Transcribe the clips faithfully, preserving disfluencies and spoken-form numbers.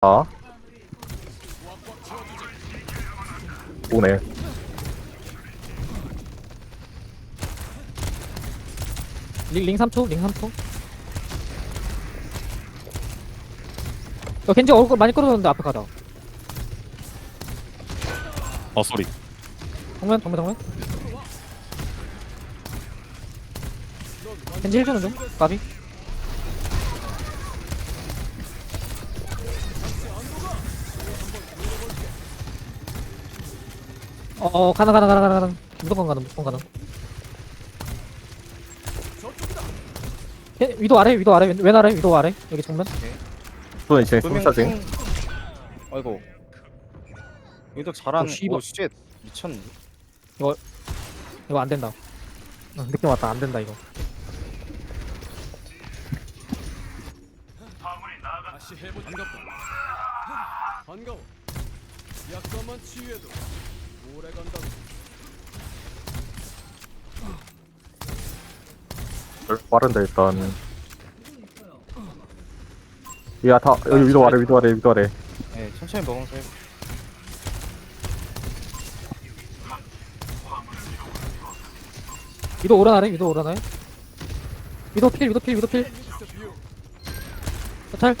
아 오네. 링, 링 삼 초, 링 삼 초. 야, 겐지 얼굴 많이 끌어줬는데 앞에 가자. 어 쏘리. 정면, 정면, 정면. 겐지 힐 주는 중, 까비. 어, 어, 가나, 가나, 가나, 가나, 가나. 무조건 가나, 무조건 가나. 예, 위도 아래, 위도 아래, 왼, 왼 아래, 위도 아래. 여기 정면. 또 이제 분명 숨차징. king- 아이고 이도 잘한 어, 씨발. 오쉣 미쳤네. 이거 안 된다. 어, 느낌 왔다, 안 된다, 이거. 다시 해보 반갑다. 반가워. 약간만 치유해도 오래 간다. 빠른데 일단. 야다 여기 위도 아래 위도 아래 위도 아래. 네 천천히 먹으면서 해. 위도 오라나래, 위도 오라나래. 위도 필, 위도 필, 위도 필. 탈.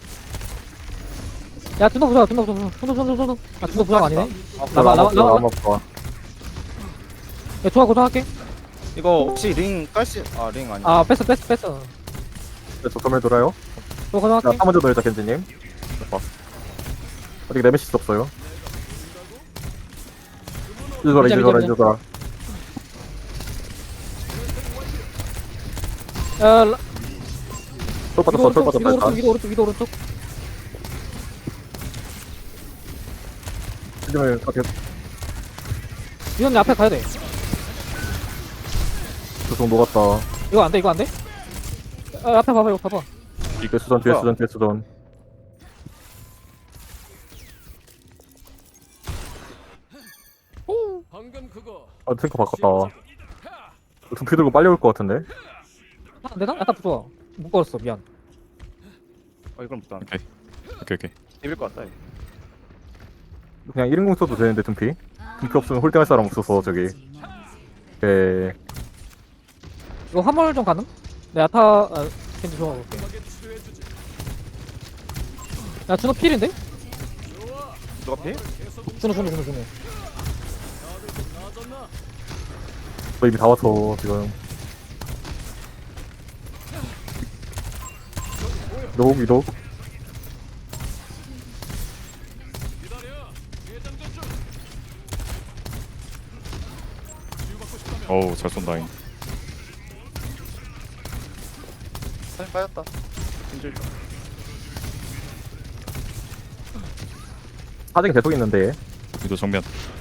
야, 둔도 부자, 둔도 부자, 둔도, 둔도, 둔도. 아, 둔도 부자가 아니네. 나봐, 나봐, 나봐. 나봐 나봐. 야, 좋아, 고정할게. 이거 혹시 링 깔시 아링 아니. 아, 뺐어, 뺐어, 뺐어. 저 점을 돌아요. 또 자, 고정할게. 사 먼저 돌자 겐지님. 봐. 아직 레메시스 없어요. 이제 돌아 이제 돌아 이제 돌아. 야, 라- 쫄 위도 빠졌어 쫄 오른쪽, 위도 빠졌다 오른쪽, 일단. 위도 오른쪽, 위도 오른쪽. 겐지를 어떻게 위도님 앞에 가야 돼. 조성 녹았다. 이거 안 돼, 이거 안 돼? 아, 앞에 봐봐, 이거 봐봐. 뒤에 수전 뒤에 수전 뒤에 수전. 방금 그거 아 탱커 바꿨다. 두피 들고 빨리 올 것 같은데. 아, 안 되나? 약간 부좋아. 못 걸었어, 미안. 어 이걸 못다. 오케이 오케이 오케이. 입을 것 같다. 이거. 그냥 일 인공 써도 되는데 둠피. 둠피 없으면 홀딩할 사람 없어서 저기. 에 이거 화물 좀 가능? 내 아타, 아, 겐지 좋아볼게. 하게 치료해주지. 야, 준호 필인데? 누가 피? 준호, 준호, 준호, 준호. 나아졌나? 저 이미 다 왔어 지금. 위도 위도. 기다려. 예장전 중. 치유받고 싶다면 어우 잘 쏜다잉. 사진 빠졌다. 진실 좀. 사정이 계속 있는데. 얘. 위도 정면.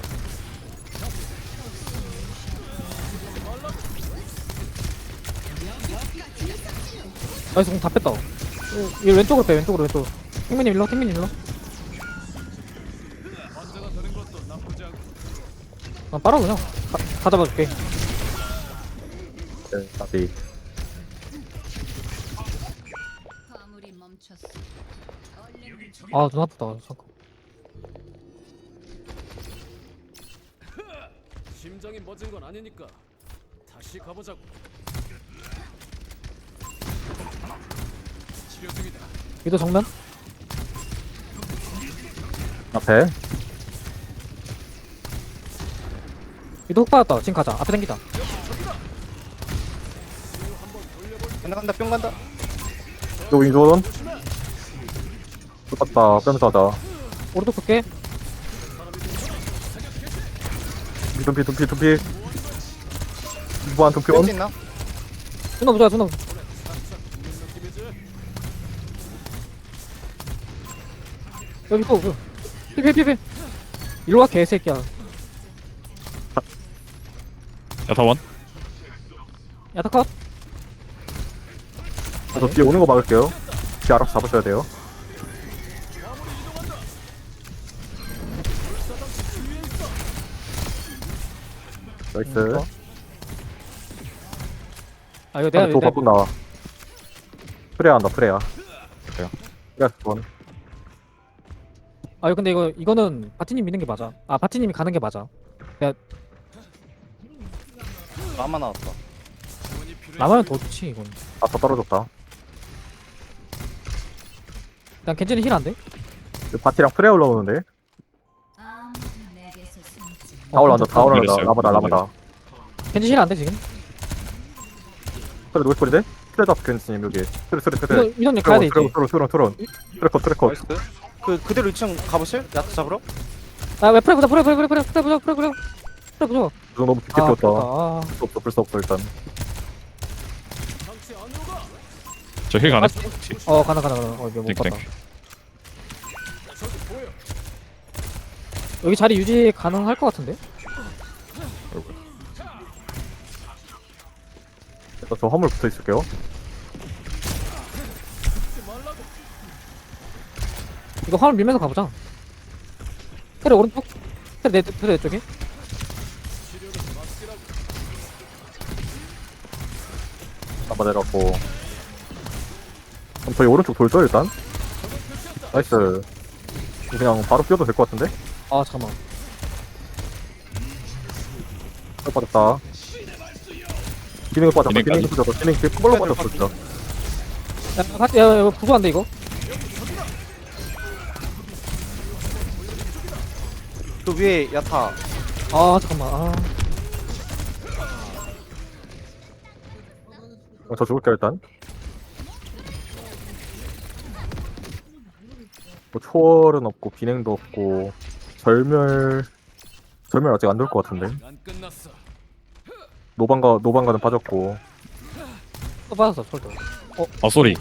나이스, 공다 뺐다. 얘 왼쪽으로 빼, 왼쪽으로, 왼쪽으로. 탱민님 일로, 탱민님 일로. 환자가 되는 것도 나쁘지 않고. 아, 빨아, 그냥. 다, 다 잡아줄게. 네, 다시. 화물이 멈췄어. 얼른 아, 눈 아프다. 잠깐. 심장이 멎은 건 아니니까 다시 가보자고. 치료 중이다. 위도 정면? 앞에. 위도 훅 받았다. 지금 가자. 앞에 당기자. 간다 간다 뿅 간다. 또 윈조던. 똑같다. 빼면서 하자. 오른쪽 볼게. 둠피 둠피 둠피. 무한 둠피 온. 뺄수 있나? 준호 보자, 준호. 여기 또, 그. 필, 필, 필, 필. 일로 와, 개새끼야. 야타원. 야타 컷. 저 뒤에 오는 거 막을게요. 뒤에 알아서 잡으셔야 돼요. 나이스. 아, 이거 내가, 도 내가, 바꾼다. 프레야 한다 프레야. 그래요? 프레야 번. 아 근데 이거 이거는 바티님 믿는 게 맞아. 아 바티님이 가는 게 맞아. 라마 나왔다. 나만 더 좋지 이건. 아, 더 떨어졌다. 난 겐지는 힐 안 돼? 바티랑 프레 올라오는데? 아무도 내게서 숨지 다 올라온다, 다 올라온다. 밀렸어요. 라마다, 라마다. 겐지 힐 안 돼 지금? 그래, 노이스폴인데? 트레다 켄스님, 여기. 트레, 트레, 트레. 이거 이동님 가야 돼 이제. 트론, 트론, 트론. 트래커, 트래커. 나이스. 그 그대로 이 층 가보실? 야트 잡으러? 아왜 프레 보자 프레 프레 프레 프레 프레 보자 프레 보자 프레 보자. 그 너무 깊게 아 뛰었다. 아, 불수 없어, 불수 없어, 일단. 당시 안으로 가. 저 힐 가네. 어 가나 가나 가나. 어 이거 못 땡, 봤다. 땡. 저기 보여. 여기 자리 유지 가능할 것 같은데? 일단 저 화물 붙어 있을게요. 이거 화물 밀면서 가보자. 테레 오른쪽. 테레 내 테레 내 쪽에. 라마 내려갔고. 그럼 저희 오른쪽 돌죠, 일단? 나이스. 그냥 바로 뛰어도 될 것 같은데? 아 잠깐만. 어, 빠졌다. 기능을 빠졌다. 기능까지. 기능이 빠졌다. 기능이 꿀로 빠졌어, 진짜. 야 같이 야 이거 부수한데 이거? 그 위에 야타. 아 잠깐만. 아. 어, 저 죽을게요, 일단. 뭐, 초월은 없고, 비냉도 없고, 절멸, 절멸 아직 안 될 것 같은데. 안 끝났어. 노방가, 노방가는 빠졌고. 또 받았어 솔도. 아 쏘리.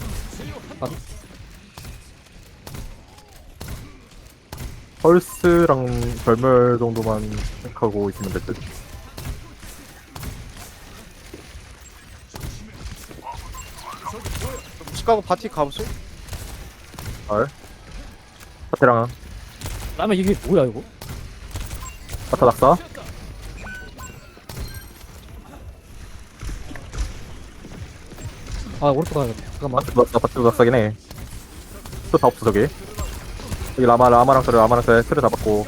펄스랑 절멸 정도만 생각하고 있으면 될 듯. 시카고 바티 가보실? 알. 파테랑, 라면 이게 뭐야 이거? 파타 낙사. 아 오른쪽 가야겠다. 잠깐만. 파트 낙사, 파트 낙사긴 해. 또 다 없어, 저기. 여기 라마, 라마랑 그래, 라마랑 그래, 틀을 잡았고.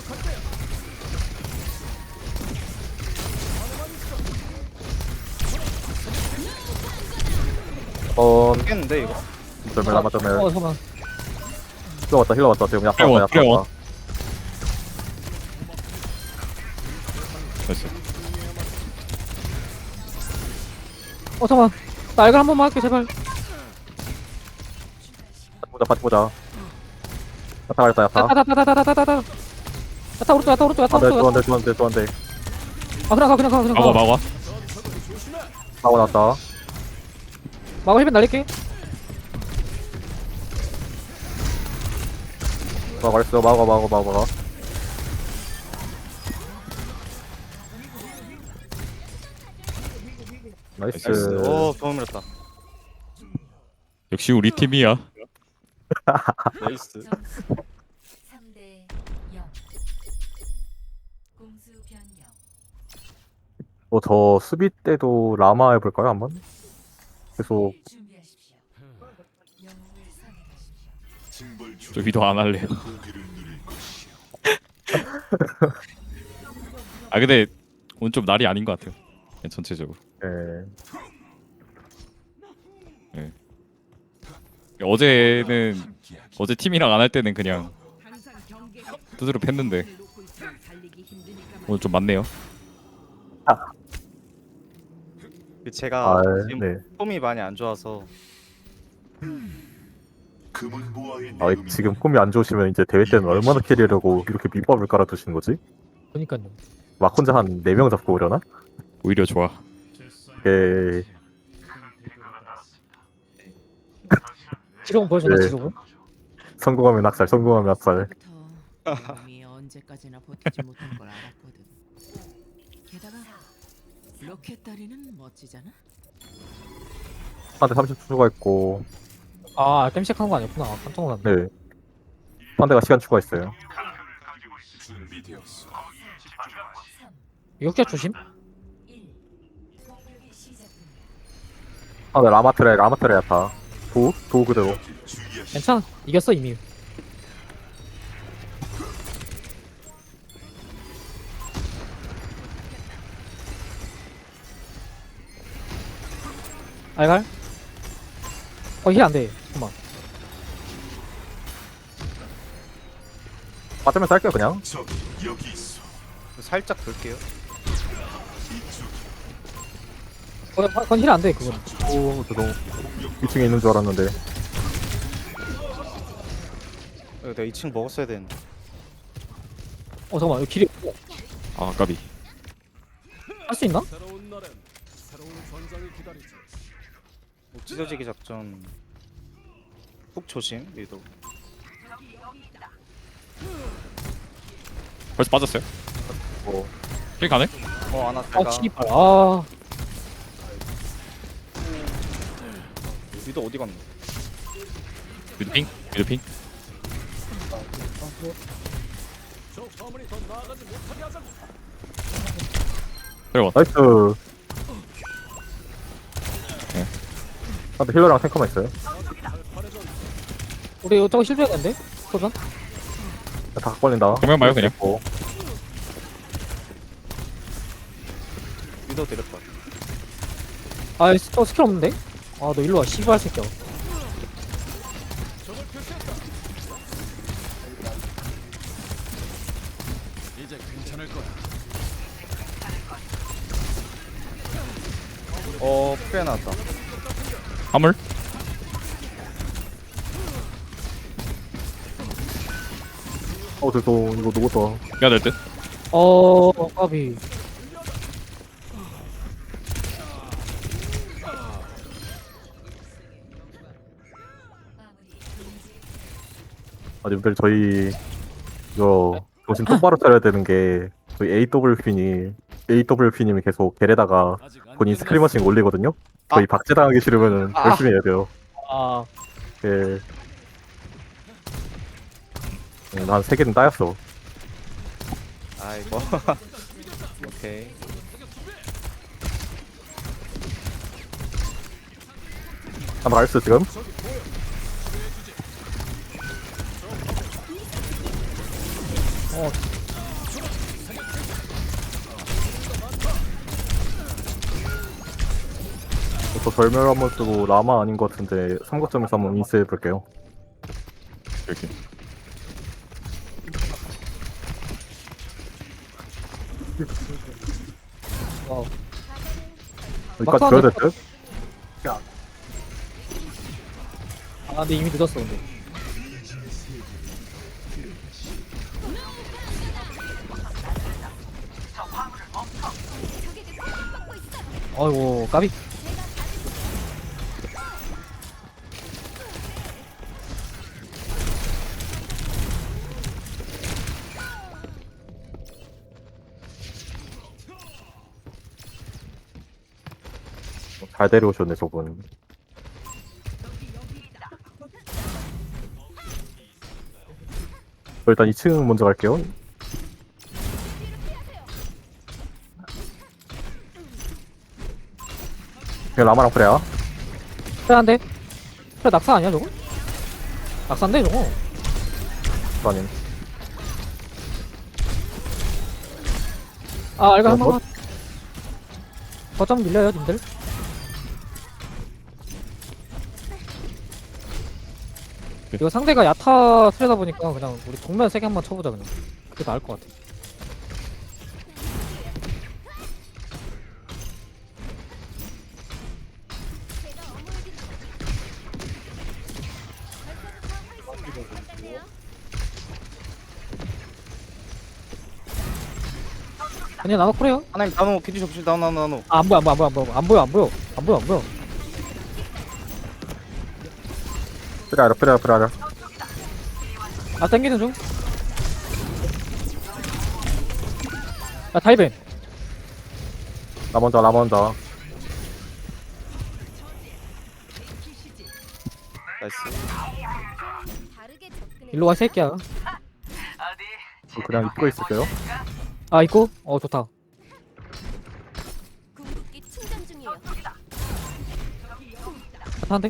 어, 깼는데 이거. 절멸, 라마 절멸. 어 잠깐만. 힐러 왔다, 힐러 왔다. 지금 약간 프레원, 왔다, 프레원. 약간 왔다. 나이스. 어 잠깐만. 나 알갈 한 번만 할게 제발. 파트 보자, 파트 보자. 야타 가렸다, 야타. 따다다다다다다다다. 야타 오른쪽 야타 오른쪽 야타 아, 네, 오른쪽. 좋은데, 좋은데, 좋은데. 아 그냥 가 그냥 가 그냥 막아 가. 막아. 나와, 나왔다. 막아 힐벤 날릴게. 막 말했어, 막아, 막아, 막아, 막아. 나이스. 나이스. 오 도움 밀었다. 역시 우리 팀이야. 나이스. 삼 대 영 공수 변경 뭐, 저 수비 때도 라마 해볼까요, 한번? 계속, 준비하십시오. 영웅을 선택하십시오. 저 위도 안 할래요. 아 근데 오늘 좀 날이 아닌 것 같아요. 그냥 전체적으로. 예. 어제는 어제 팀이랑 안 할 때는 그냥 두드려 팼는데 오늘 좀 많네요. 그 제가 아, 지금 네. 폼이 많이 안 좋아서 아, 지금 폼이 안 좋으시면 이제 대회 때는 얼마나 캐리하려고 이렇게 밑밥을 깔아두시는 거지? 그니까요. 막 혼자 한 네 명 잡고 오려나? 오히려 좋아. 예. 지금 보여주나 네. 지금? 성공하면 학살, 성공하면 학살. 부터 몸이 언제까지나 버티지 못할 걸 알았거든. 게다가 로켓 다리는 멋지잖아. 한대 삼십 초 추가했고, 아 땜식 한거 아니었구나. 깜짝 놀랐네. 네. 한대가 시간 추가했어요. 역자 조심. 일 공격이 시작됩니다. 아, 네, 라마트레, 라마트레 야타. 도? 도 그대로. 괜찮아. 이겼어 이미. 알갈? 어, 힐 안 돼. 잠깐만. 빠지면서 할게요 그냥. 살짝 돌게요. 어, 그건 힐 안 돼, 그건. 오 죄송. 이 층에 있는 줄 알았는데. 어, 내가 이 층 먹었어야 되는데. 어, 잠깐만. 여기 길이 아 까비. 할 수 있나? 새로운 날엔 새로운 전장이 기다리지. 뭐 찢어지기 작전. 훅 조심 리도. 벌써 빠졌어요? 뭐 힐 가네? 어 하나 아, 내가 씨발. 아. 리도 어디 갔노? 미드핑? 미드핑? 저 화물이 더 나아가지 못하게 하자고. 들어와. 나이스. 네. 아, 근데 힐러랑 탱커만 있어요. 우리 저거 실패했는데? 소전? 다 걸린다. 정면 봐요, 그냥. 어, 리도 데렸다. 아, 저 스킬 없는데? 아, 너 일로 와, 씨발 새끼야. 적을 표시했다. 이제 괜찮을 거야. 어 프레 나왔다. 화물? 어 죄송. 이거 누구다. 해야 될 듯? 어, 까비. 아 님들 저희 이거 정신 똑바로 차려야 되는 게 저희 에이더블유피님 에이더블유피님이 계속 겔에다가 아직 안 본인 끝났어. 스크리머싱 올리거든요. 저희 박제당하기 싫으면 아. 열심히 해야 돼요. 아, 예. 음, 한 세 개는 따였어. 아이고. 오케이. 한번 알수 지금? 어, 저 절멸 한번 쓰고 라마 아닌 것 같은데 삼각점에서 한번 인스해 볼게요. 이렇게. 와우. 여기까지 줘야 될 듯? 아, 근데 이미 늦었어, 근데. 아이고, 까비. 잘 데려오셨네 저분. 저 일단 이 층 먼저 갈게요. 그냥 라마랑 프레야. 그래한데? 그래, 낙사 아니야, 저거? 낙사인데, 저거? 아님. 아, 알가 한 어, 번만. 거점 밀려요, 님들. 이거 상대가 야타 트레다 보니까 그냥 우리 정면 세게 한번 쳐보자, 그냥. 그게 나을 것 같아. 그냥 나눠 그래요? 하나님 나노 피디 접시 나노 나노 나노. 아, 안 보여, 안 보여, 안 보여, 안 보여, 안 보여, 안 보여, 안 보여. 프레야 프레야 프레야. 아, 땡기는 중. 야, 타이벤. 나 먼저 나 먼저. 나이스. 일로 와, 이 새끼야. 그냥 입고 있을게요. 아, 있고? 어, 좋다. 궁극기 충전 중이에요. 한대?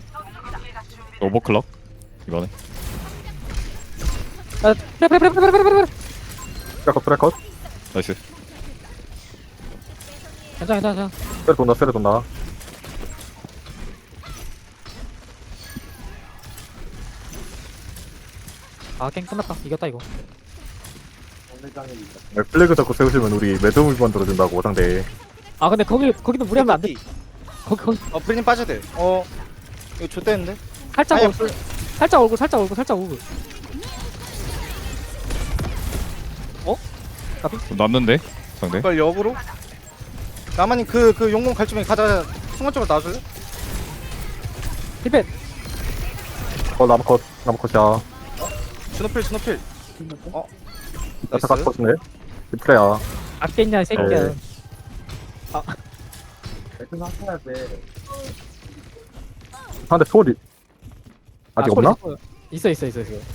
오버클럭? 이거네. 아, 프레, 프레, 프레, 프레, 프레, 프레, 프레. 프레컷 프레컷. 나이스. 괜찮아, 괜찮아, 괜찮아. 세레 돈다 세레 돈다. 아 게임 끝났다. 이겼다 이거. 플래그 잡고 세우시면 우리 매듭을 만들어준다고 상대. 아 근데 거기 거기도 무리하면 안 돼. 거기 거기 어 프리님 빠져야 돼어 이거 좆대는데? 살짝 아니, 얼굴 살짝 얼굴 살짝 얼굴 살짝 얼굴. 났는데 상대. 이걸 역으로? 나만님 그 그 용공 갈 준비 가자. 순간적으로 나와줄래? 힐벤. 어 나무컷 나무컷이야. 스노필 스노필 어? 나타 갈 것인데. 프레야. 아꼈냐 이 새끼야. 네. 상대 초월이 아직 아, 소리 없나? 있어 있어 있어 있어.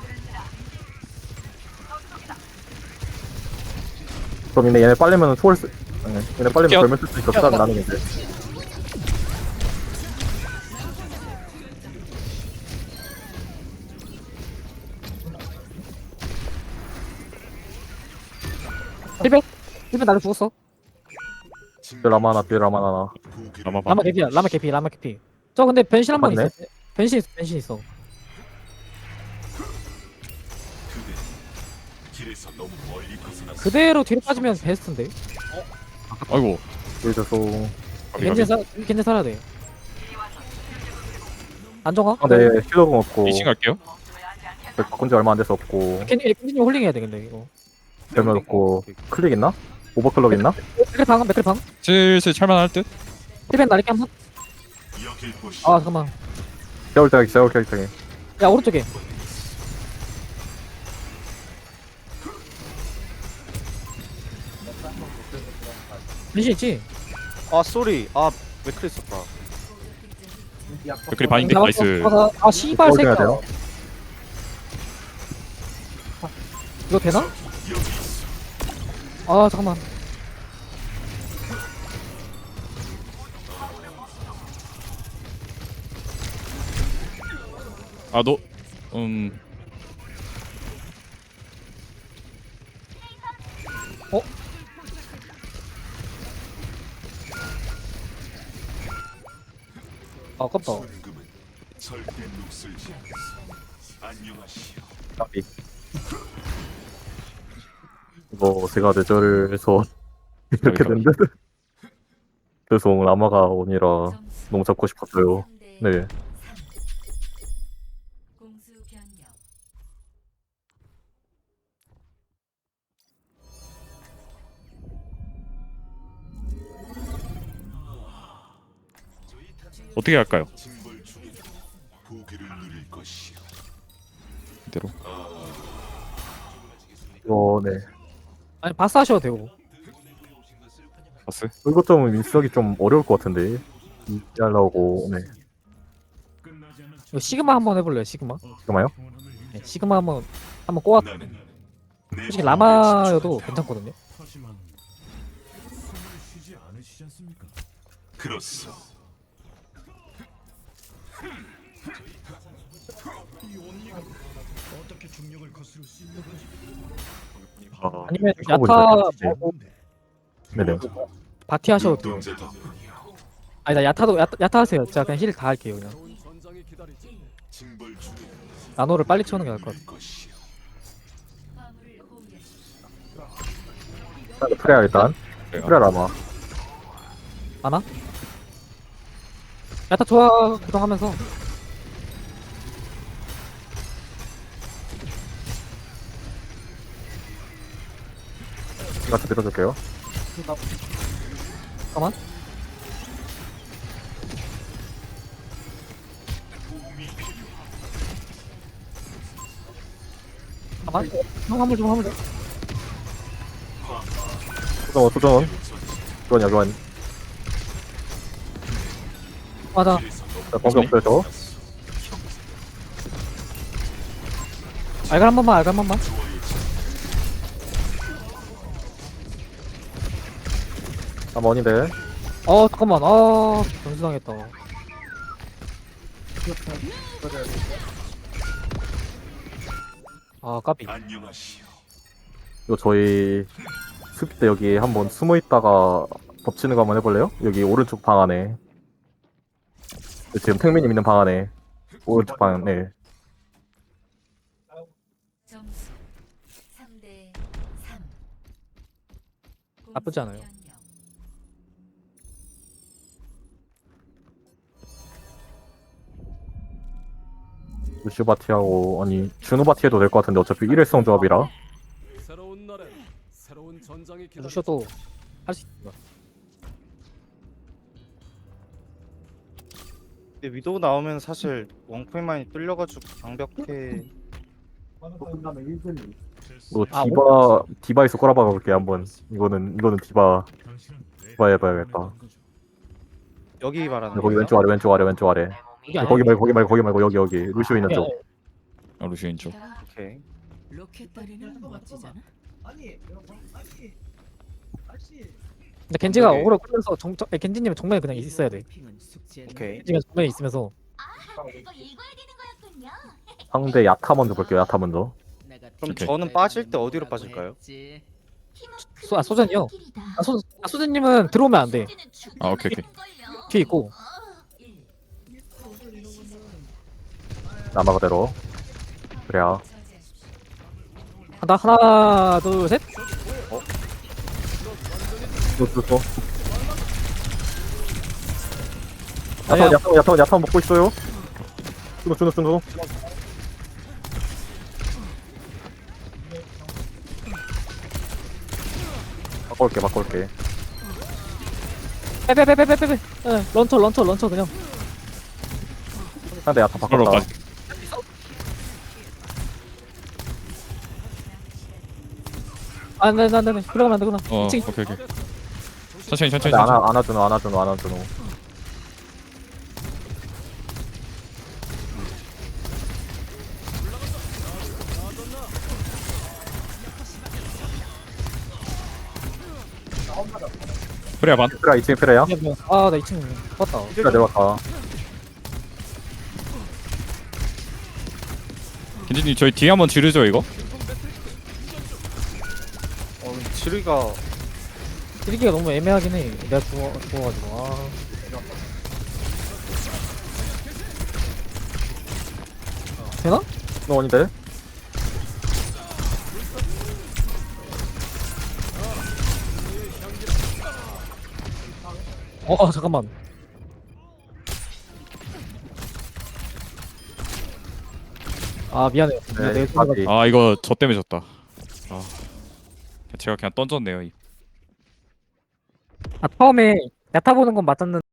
그럼 얘네 얘네 빨리면 초월 쓰. 네, 얘네 빨리면 뛰어. 걸면 쓸 수 있어. 뛰어. 수단 나는 게. 힐벤. 힐벤 나를 죽었어. 라마 하나, 뒤에 라마 하나. 아마 봐. 라마 개피야. 라마 개피. 라마 개피. 저 근데 변신 한 번 맞네. 있어. 변신 있어. 변신 있어. 그대로 뒤로 빠지면 베스트인데. 아이고. 보여줘서. 가비, 겐지 가비. 사 겐지 살아야 돼. 안정화? 상대 힐러공 없고. 이층 갈게요. 바꾼 지 얼마 안 돼서 없고. 겐지 겐지 홀링 해야 돼 근데 이거. 별면 없고. 클릭 있나? 오버클럭 있나? 맥클 방 맥클 방. 슬슬 찰만할 듯. 힐벤 나리게 한번. 아 잠깐만. 세울 때가 세울 때가. 야 오른쪽에. 변신 있지? 아 쏘리 아 맥클 있었다 댓글이 반인데 나이스. 아, 아 씨발 어디 해야 새끼야. 돼요? 이거 되나? 아 잠깐만. 아 너. 음. 아, 아깝다. 까비. 이거 제가 뇌절을 해서 이렇게 까비. 된데. 죄송 라마가 오니라 점수 너무 잡고 싶었어요. 삼 대 네. 삼. 공수 변경. 어떻게 할까요? 이대로. 이거 네. 아니 바스 하셔도 되고. 봤어? 이거 좀 민석이 좀 어려울 것 같은데. 이하려고 네. 이거 시그마 한번 해볼래요 시그마? 잠깐만요. 네, 시그마 한번 한번 꼬아. 솔직히 라마여도 괜찮거든요. 아, 아니면 하고 야타 있는데, 말고 네네. 바티 하셔도 돼요. 아니 나 야타도 야타, 야타 하세요. 제가 그냥 힐 다 할게요 그냥. 전장이 기다리지. 나노를 빨리 채우는 게 나을 것 같아. 화물을 호위하십시오. 프레야 일단. 그래요. 프레야 라마. 하나? 야타 좋아 구동하면서. 같이 밀어줄게요. 잠깐만. 잠깐만. 형 화물 좀 화물 좀. 소정원 소정원. 교환이야 교환. 맞아. 자, 범위 없어요 저. 알갈 한 번만 알갈 한 번만. 아 머니데. 어 잠깐만. 아 변수당했다. 아 까비. 이거 저희 수비 때 여기 한번 숨어 있다가 덮치는 거 한번 해볼래요? 여기 오른쪽 방 안에. 지금 탱민님 있는 방 안에. 오른쪽 방 네. 점수 삼 대 삼. 나쁘지 않아요. 루시오 바티하고 아니 준호 바티 해도 될 것 같은데 어차피 일회성 조합이라. 새로운 날엔 새로운 전장이 기다려. 루시오도 할 수 있어. 근데 위도우 나오면 사실 원코인 많이 뚫려가지고 방벽해. 뭐 아, 디바 디바에서 꼬라박아 볼게 한번. 이거는 이거는 디바 디바 해봐야겠다. 여기 말하는 거기 거예요? 왼쪽 아래 왼쪽 아래 왼쪽 아래. 이게 거기 말고 거기 말고 거기 말고 여기 여기 루시오 있는 쪽. 아, 루시인 쪽. 게다가 오케이. 로켓 다리는 멋지잖아. 근데 겐지가 오케이. 오래 끌면서 정, 정, 겐지님은 정면에 그냥 있어야 돼. 핑은 숙제는 오케이. 겐지가 정면에 있으면서 상대 야타 먼저 볼게요. 야타 먼저. 내가 그럼 오케이. 저는 빠질 때 어디로 빠질까요? 했지. 소, 아 소전이요. 아, 소, 아 소전님은 들어오면 안 돼. 아, 오케이 오케이. 뒤에 있고. 남아 그대로. 그래야. 한다 하나 둘 셋. 또또또. 아니야. 야타 야타 야타 야타 먹고 있어요. 준호 준호 준호. 바꿔올게 바꿔올게. 빼빼빼빼빼빼. 예, 런처 런처 런처 그냥. 상대 야타 서로 바꿨다. 가. 안돼 안돼 안돼. 그러면 안 되구나. 어, 이 층. 오케이 오케이. 천천히 천천히 근데 천천히. 안아 안아주노 안아주노 안아주노. 그래야 반. 피라 이 층 피라야. 아나 이 층 봤다. 피라 내려갔다. 겐지님 저희 뒤에 한번 지르죠 이거. 어, 지르기가 드리기가 너무 애매하긴 해. 내가 죽어 죽어가지고. 아. 되나? 너 아닌데? 어, 어 잠깐만. 아 미안해요. 네, 내 바티. 아 이거 저 때문에 졌다. 아 제가 그냥 던졌네요. 이. 아 처음에 야타 보는 건 맞았는데